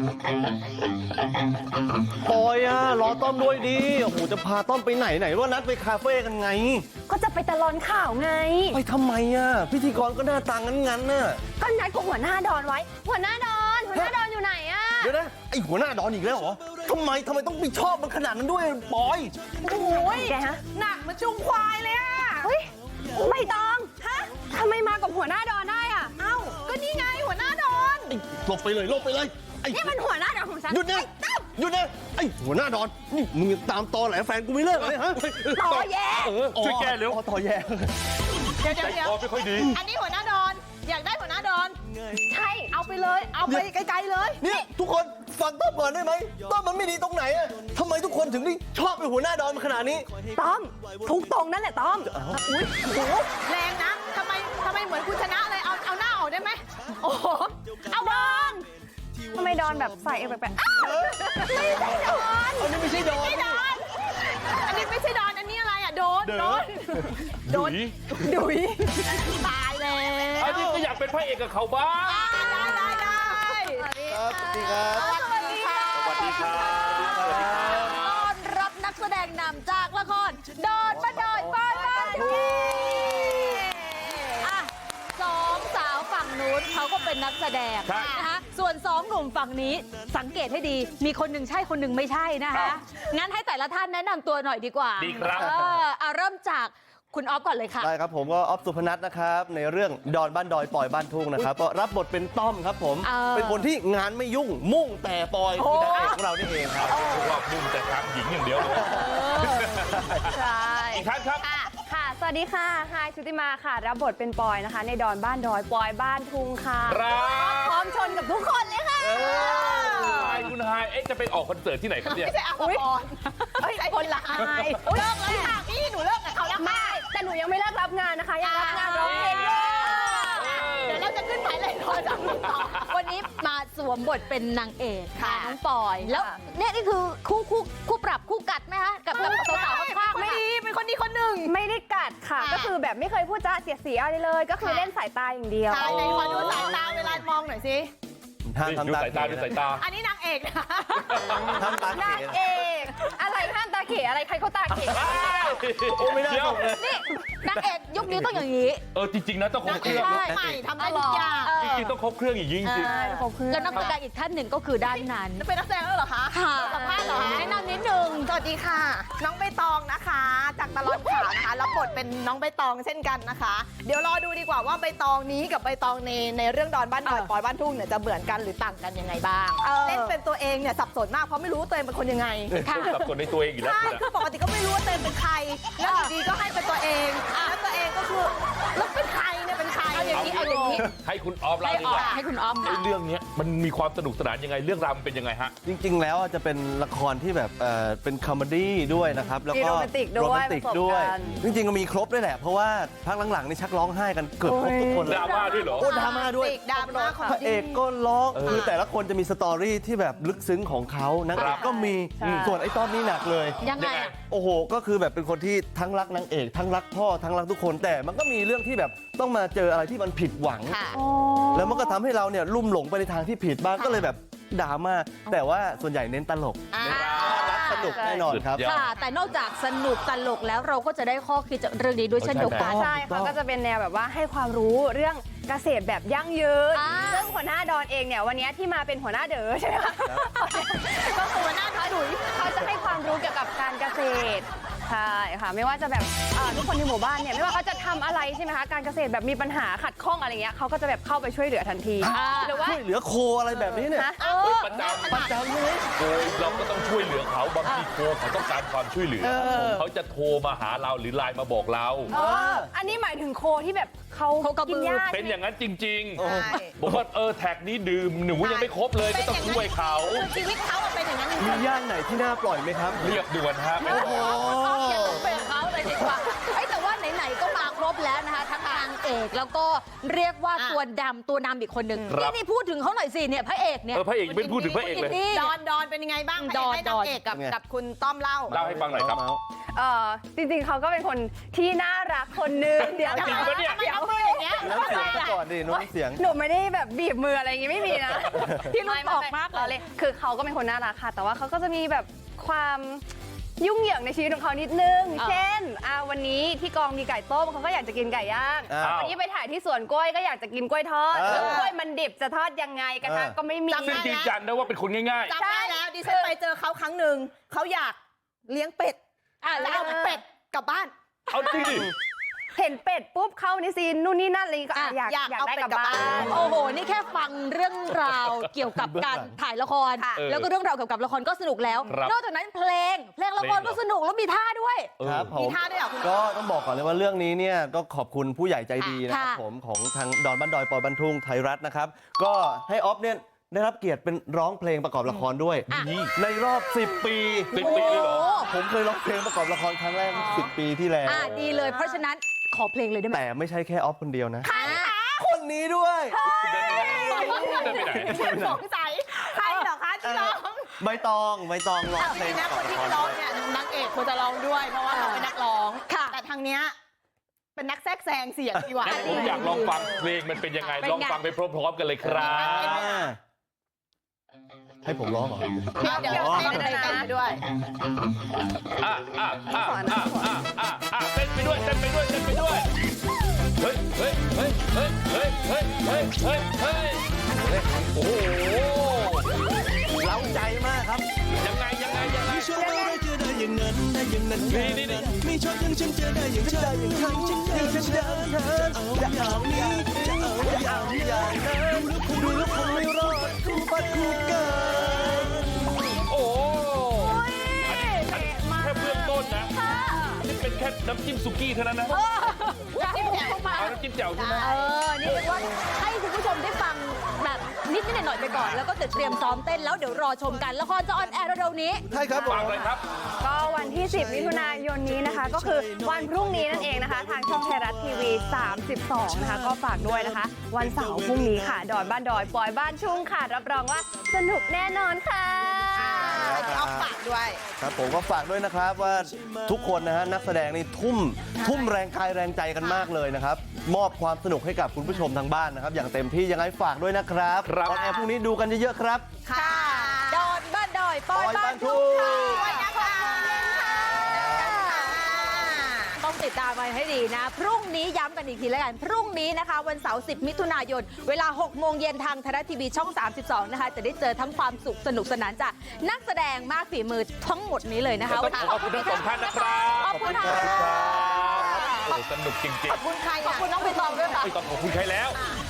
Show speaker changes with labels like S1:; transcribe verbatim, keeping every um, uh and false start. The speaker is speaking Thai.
S1: ปอยอะรอต้อมด้วยดิโอ้โหจะพาต้อมไปไหนไหนว่านัดไปคาเฟ่กันไง
S2: ก็จะไปตลอนข่าวไง
S1: ไปทำไมอะพิธีกรก็หน้าตางั้นๆน่ะ
S2: ก็นัดกับหัวหน้าดอนไว้หัวหน้าดอนหัวหน้าดอนอยู่ไหนอะ
S1: เดี๋ยวนะไอหัวหน้าดอนอีกแล้วเหรอทำไมทำไมต้องไปชอบมันขนาดนั้นด้วยปอย
S2: โอ้ยแกฮะหนักมาจุงควายเลยอะเฮ้ยไม่ต้องฮะทำไมมากับหัวหน้าดอนได้อะเอ้าก็นี่ไงหัวหน้าดอน
S1: หลบไปเลยหลบไปเลย
S2: นี่มันหัวหน้าดอนของฉัน
S1: หยุดนะหยุดนะไอหัวหน้าดอนนี่มึงตามตอแหลแฟนกูไม่เลิกเลยฮะ
S2: ต่อแย่
S1: ช่วยแก้เร็วต่อแย่
S3: เดี๋ยวเดี๋ยวเดี๋ยวไม่ค่อยดีอันนี้หัวหน้าดอนอยากได้หัวหน้าดอน
S2: ใช่เอาไปเลยเอาไปไกลๆเลย
S1: นี่ทุกคนฟังต้อมก่อนได้ไหมต้อมมันไม่ดีตรงไหนอะทำไมทุกคนถึงได้ชอบเป็นหัวหน้าดอนขนาดนี้
S2: ต้อมทุกตรงนั่นแหละต้อม
S3: อุ้ยโหแรงนะทำไมทำไมเหมือนคุณชนะเลยเอาเอาหน้าออกได้ไหมโอ้โหเอาดอน
S2: ทำไมดอนแบบใส่เอวแปลกๆไม่ใช่ดอน
S1: อันนี้ไม่ใช่ดอน
S3: ไม่ดอนอันนี้ไม่ใช่ดอนอันนี้อะไรอ่ะโดนโดนโดน
S2: ดุย
S3: ตายแล้ว
S4: อันนี้ก็อยากเป็นพระเอกกับเขาบ้าง
S3: ได้ได้ได้
S1: ครับสวัสดีครับ
S3: สวัสดีค่ะ
S4: สวัสดีครับ
S3: ต้อนรับนักแสดงนำจากละครดอนบ้านดอยบ้านบ้านทุ่งอ่ะสองสาวฝั่งนู้นเขาก็เป็นนักแสดงนะคะส่วนสองหนุ่มฝั่งนี้สังเกตให้ดีมีคนหนึ่งใช่คนหนึ่งไม่ใช่นะคะงั้นให้แต่ละท่านแนะนำตัวหน่อยดีกว่า
S4: ดีครับ
S3: เออเอาเริ่มจากคุณออฟก่อนเลยค่ะ
S1: ได้ครับผมก็ออฟสุพนัทนะครับในเรื่องดอนบ้านดอยปอยบ้านทุ่งนะครับก็รับบทเป็นต้อมครับผมเป็นคนที่งานไม่ยุ่งมุ่งแต่ปอยคือนางเอกของเรานี่เองครับ
S4: เพราะว่ามุ่งแต่ทางหญิงอย่างเดียวเลย
S2: ใช่
S4: อีกท่านครับ
S2: ค่ะสวัสดีค่ะไฮชุติมาค่ะรับบทเป็นปอยนะคะในดอนบ้านดอยปอยบ้านทุ่งค่ะพร้อมชนกับทุกคนเลยค่ะ
S4: ไฮคุณไฮเอ๊ะจะไปออกคอนเสิร์ตที่ไหนครับเนี่ย
S3: ไม่ใช่อาภรณ์เฮ้ยคนละไฮเลิกเลยค่ะพี่หนูเลิกกับเขาแล้วค่ะ
S2: แต่หนูยังไม่เลิกรับงานนะคะยังรับงานร้องเพลงอยู่
S3: เดี๋ยวเราจะขึ้นไปเลยรอจากนี้ต่อ
S5: วันนี้มาสวมบทเป็นนางเอก
S3: ค่ะ
S5: น้องปอยแล้วเนี่ยนี่คือคู่คู่คู่ปรับคู่กัดไหมคะกับกับสาวๆข้างๆ
S3: ไม่ดีเป็นคนดีคนหนึ่ง
S2: ไม่ได้กัดค่ะก็คือแบบไม่เคยพูดจ้าเสียเสียอะไรเลยก็คือเล่นสายตาอย่างเดียว
S3: ใช่ไหนขอดูสายตาเวลามองหน่อยสิ
S1: ห้ามทำตา
S4: สายตาดูสายตา
S3: อันนี้นางเอกนะ
S1: ทำตาเข
S2: นางเอกอะไรห้ามตาเขอะไรใครเขาตาเข
S1: โอ้ไม่ได้
S5: นี่นางเอกยุคนี้ต้องอย่างนี้
S4: เออจริงๆนะต้องครบเครื่อง
S3: ใหม่ทำได้ทุกอย่าง
S4: จริงๆต้องครบเครื่องอย่างยิ่งจริง
S5: แล้วนักแสดงอีกท่านหนึ่งก็คือด้านนั้น
S3: จะเป็นนักแสดงแล้วเหรอคะ
S5: ค่ะ
S3: สัมภาษณ์เหรอ
S5: แนะนำนิดนึง
S3: สวัสดีค่ะน้องใบตองนะคะจากตลอดข่าวนะคะรับบทเป็นน้องใบตองเช่นกันนะคะเดี๋ยวรอดูดีกว่าว่าใบตองนี้กับใบตองในในเรื่องดอนบ้านดอยปอยบ้านทุ่งเนี่ยจะเหมือนกันหรือต่างกันยังไงบ้างเล่นเป็นตัวเองเนี่ยสับสนมากเพราะไม่รู้ตัวเองเป็นคนยังไง
S4: สับสนในตัวเองอยู่แล้ว
S3: ใช่คือปกติก็ไม่รู้ว่าตัวเองเป็นใครแล้วอยู่ดีก็ให้เป็นตัวเองแล้วตัวเองก็คือแล้วเป็นใครเนี่ยเป็นใคร
S5: เอาอย่างนี้เอาอย่างนี้
S4: ให้คุณออฟเล่าดีกว่า
S5: ให้คุณออฟ
S4: ในเรื่องนี้มันมีความสนุกสนานยังไงเรื่องราวมันเป็นยังไงฮะ
S1: จริงๆแล้วจะเป็นละครที่แบบเอ่อเป็นคอมเมดี้ด้วยนะครับแล้วก็
S2: โรแมนติกด้วย
S1: ด้วยจริงๆก็มีครบด้วยแหละเพราะว่าพักหลังๆนี่ชักร้องไห้กันเกือบครบทุกคน
S4: ดราม่าด้วยเหรอ
S1: โอ้ดราม่าด้วย
S3: ดราม่าของ
S1: พระเอกก็ร้องคือแต่ละคนจะมีสตอรี่ที่แบบลึกซึ้งของเขานางเอกก็มีส่วนไอ้ต้อมนี่หนักเลย
S5: ยังไง
S1: โอ้โหก็คือแบบเป็นคนที่ทั้งรักนางเอกทั้งรักพ่อทั้งรักทุกคนแต่มันก็มีเรื่องที่แบบต้องมาเจออะไรที่มันผิดหวังแล้วมันก็ทำให้เราเนี่ยลุ่มหลงไปในทางที่ผิดบ้างก็เลยแบบดราม่าแต่ว่าส่วนใหญ่เน้นตลกรักสนุกแน่นอนครับ
S5: ค่ะแต่นอกจากสนุกตลกแล้วเราก็จะได้ข้อคิดจากเรื่องนี้ด้วยเช่นเดียวกัน
S2: ใช่ค่ะก็จะเป็นแนวแบบว่าให้ความรู้เรื่องเกษตรแบบยั่งยืนซึ่งหัวหน้าดอนเองเนี่ยวันนี้ที่มาเป็นหัวหน้าเด๋อใช่ไหมคะก็คือหัวหน้าท้าดุยเขาจะให้ความรู้เกี่ยวกับการเกษตรใช่ค่ะไม่ว่าจะแบบทุกคนในหมู่บ้านเนี่ยไม่ว่าเขาจะทำอะไรใช่ไหมคะการเกษตรแบบมีปัญหาขัดข้องอะไรเงี้ยเขาก็จะแบบเข้าไปช่วยเหลือทันที
S1: หรือว่าช่วยเหลือโคอะไรแบบนี้เนี่ย
S4: ประจำ
S1: ประจำเลย
S4: โคเราก็ต้องช่วยเหลือเขาบางทีโคเขาต้องการความช่วยเหลือเขาจะโทรมาหาเราหรือไลน์มาบอกเรา
S2: อันนี้หมายถึงโคที่แบบเขากินหญ้า
S4: เป็นอย่างนั้นจริงๆบอกว่าเออแท็กนี้ดื่มหนูยังไม่ครบเลยก็ต้องช่วยเขา
S3: ชีวิตเขาเป็นอย่างนั้น
S1: มีย่านไหนที่น่าปล่อยไหมครับ
S4: เรียบด่วนฮะ
S5: อย่าต้องเป็นเขาเลยดีกว่าแต่ว่าไหนๆก็มาครบแล้วนะคะทั้งนาง
S3: เอกแล้วก็เรียกว่า
S2: อ่ะ
S3: ตัวดำตัวนำอีกคนหนึ่ง
S4: ครับ
S3: นี่นี่พูดถึงเขาหน่อยสิเนี่ยพระเอกเนี่ย
S4: เออพระเอกยังไม่พูดถึงพระเอกเลย
S3: นี่
S2: ดอนดอนเป็นยังไงบ้าง
S3: ดอน
S2: ให้
S3: ด
S2: นา
S3: อง น
S2: เอกกับ
S1: ไง
S2: กับคุณต้อมเล่า
S4: เล่าให้ฟังหน่อยครับ
S1: เมาส์
S2: เออจริงๆเขาก็เป็นคนที่น่ารักคนหนึงเดี๋ยว
S4: จริงปะเนี่ย
S2: เดี๋ยวพูดอย่างเงี้ย
S1: น้ำเสียงซะก่อนดิน้ำเสียง
S2: หนูไม่ได้แบบบีบมืออะไรอย่างงี้ไม่มีนะ
S3: พี่รุ่นออกมากเลย
S2: เลยคือเขาก็เป็นคนน่ารักค่ะ แต่ว่าเขาก็จะมีแบบความยุ่งเหยิงในชีวิตของเขานิดนึง
S3: อ่า
S2: เช่นอ่าวันนี้ที่กองมีไก่ต้มเขาก็อยากจะกินไก่ย่าง
S1: อ้าว
S2: วันนี้ไปถ่ายที่สวนกล้วยก็อยากจะกินกล้วยทอด
S1: เออ
S2: แล้วกล้วยมันดิบจะทอดยังไงกระทะ
S1: เออ
S2: ก็ไม่มี
S4: ซึ่งยืนยันนะว่าเป็นคนง่าย
S6: จำได้แล้วดิฉันไปเจอเขาครั้งหนึ่งเขาอยากเลี้ยงเป็ด
S3: อ่ะ
S6: แล้
S3: แล้ว ว
S6: เอาเป็ดกลับบ้าน
S4: ๆ เอาจริงดิ
S2: เห็นเป็ดปุ๊บเข้าในซีนนู่นนี่นั่นอะไรก็อ่ะอยาก
S6: อยาก
S2: อยาก
S6: เอา
S2: ได้
S6: เป็ด
S2: กลับ
S6: กลับ
S2: บ้า
S6: บ้าน
S2: น
S3: โอ้โห นี่แค่ฟังเรื่องราวเกี่ยวกับการถ่ายละคร
S2: ค่ะ
S3: แล้วก็เรื่องราวเกี่ยวกับละครก็สนุกแล้ว
S4: ครับ
S3: นอกจากนั้นเพลง เพลงละครก็สนุกแล้วมีท่าด้วย
S1: ครับผ
S6: มี
S1: ม
S6: ท่าด้วยเหรอคุณ
S1: ก็ต้องบอกก่อนเลยว่าเรื่องนี้เนี่ยก็ขอบคุณผู้ใหญ่ใจดีนะครับ
S3: ค่ะ
S1: ผมของทางดอนบ้านดอยปอยบันทุ่งไทยรัฐนะครับ ก็ให้ออฟเนี่ยได้รับเกียรติเป็นร้องเพลงประกอบละครด้วย
S3: อ่ะ
S1: ในรอบ สิบ ปี
S4: สิบปีเลยเหรอ
S1: ผมเคยร้องเพลงประกอบละครครั้งแรกสิบปีที่แล้ว
S3: อ่ะดีเลย เพราะฉะนั้นขอเพลงเลยได้ไหม
S1: แต่ไม่ใช่แค่ออฟคนเดียวนะ
S3: อ่ะ
S1: คนนี้ด้วย
S4: เดินไปไหนเดินไปไหน
S6: สงสัยใครเหรอคะที่ร้อง
S1: ใบตองใบตองร้องเพล
S6: จริ
S1: ง
S6: งนะ
S1: ประก
S6: ค
S1: อบ
S6: น
S1: ละคร
S6: ที่ร้องเนี่ยนางเอกควรจะร้องด้วย เพราะว่าเราเป็นนักร้อง
S3: ค่ะ
S6: แต่ทางเนี้ยเป็นนักแทรกแซงเสียงดีกว่า
S4: งั้นผมอยากลองฟังเพลงมันเป็นยังไง
S3: เป็นไง
S4: ลองฟังไปพร้อมๆกันเลยครับ
S1: อ่าให้ผมร้องเหรอ
S6: เดี๋ยวเดี๋ยวเต้นไปเต้นไปด้วย
S4: อ่ะอ่ะอ่ะอ่ะอ่ะอ่ะอ่ะเต้นไปด้วยเต้นไปด้วยเต้นไปด้วย เฮ้ยเฮ้ยเฮ้ยเฮ้ยเฮ้ยเฮ้ยเฮ้ยเฮ้ยเฮ้ยโอ้โห
S1: เล้าใจมากครับ
S4: ยังไงยังไงยังไง
S7: ชอบอะไรจะได้อย่างนั้นได้อย่างนั้น
S4: นี่นี่นี่
S7: ไม่ชอบอย่างฉันจะได้อย่างฉันอย่างฉันอย่างฉันจะเอาอย่างนี้จะเอาอย่างนี้ดูแล้วคงไม่รอดคู่ฟัดคู่กัน
S4: โอ้โหอันนี้อันนี้แค่เบื้องต้นนะนี่เป็นแค่น้ำจิ้มสุกี้เท่านั้นนะ
S3: จิ้มแจ่วเข้ามา
S4: เอาน้ำจิ้มแจ่วใช่ไหม
S3: เออ นี่เรียกว่าให้คุณผู้ชมได้ฟังแบบนิดนิดหน่อยๆไปก่อน แล้วก็จะเตรียมซ้อมเต้นแล้วเดี๋ยวรอชมกัน ละครจะออนแอร์เร็วๆนี้
S1: ใช่ครับผม
S4: ฟังเลยครับ
S2: ก็วันที่ สิบ มิถุนายนนี้นะคะ ก็คือวันพรุ่งนี้นั่นเองนะคะ ทางช่องไทยรัฐทีวี สามสิบสอง นะคะ ก็ฝากด้วยนะคะ วันเสาร์พรุ่งนี้ค่ะ ดอนบ้านดอย ปอยบ้านชุ่งค่ะ รับรองว่าสนุกแน่นอนค่ะ
S6: ให้พี่อ๊อฟฝากด้วย
S1: ครับผมก็ฝากด้วยนะครับว่าทุกคนนะฮะนักแสดงนี่ทุ่มทุ่มแรงกายแรงใจกันมากเลยนะครับ มอบความสนุกให้กับคุณผู้ชมทางบ้านนะครับ อย่างเต็มที่ยังไงฝากด้วยนะครับ
S4: ครับ
S1: ออนแอร์พรุ่งนี้ดูกันเยอะๆครับ
S6: ค่ะ
S3: ดอนบ้านดอย ปอย
S1: ปอย
S3: บ้า
S1: บ้าน นทุ่
S3: ทุ่ง
S1: ง
S3: ค่ะ
S6: วันนะคะ
S3: ต้องติดตามกันให้ดีนะ พรุ่งนี้ย้ำกันอีกทีแล้วกัน พรุ่งนี้นะคะ วันเสาร์ สิบ มิถุนายน เวลา หก โมงเย็นทางไทยรัฐทีวีช่อง สามสิบสอง นะคะ จะได้เจอทั้งความสุขสนุกสนานจากนักแสดงมากฝีมือทั้งหมดนี้เลยนะคะ
S4: ต้องขอบคุณทั้งสองท่านนะครับ
S3: ขอบคุณค่ะ
S4: โอ้สนุกจริง
S6: ขอบคุณใคร
S3: ขอบ
S6: อ่ะ
S3: คุณน้องใบตองด้วยค่ะ
S4: ๆไม่ต้องขอบคุณใครแล้ว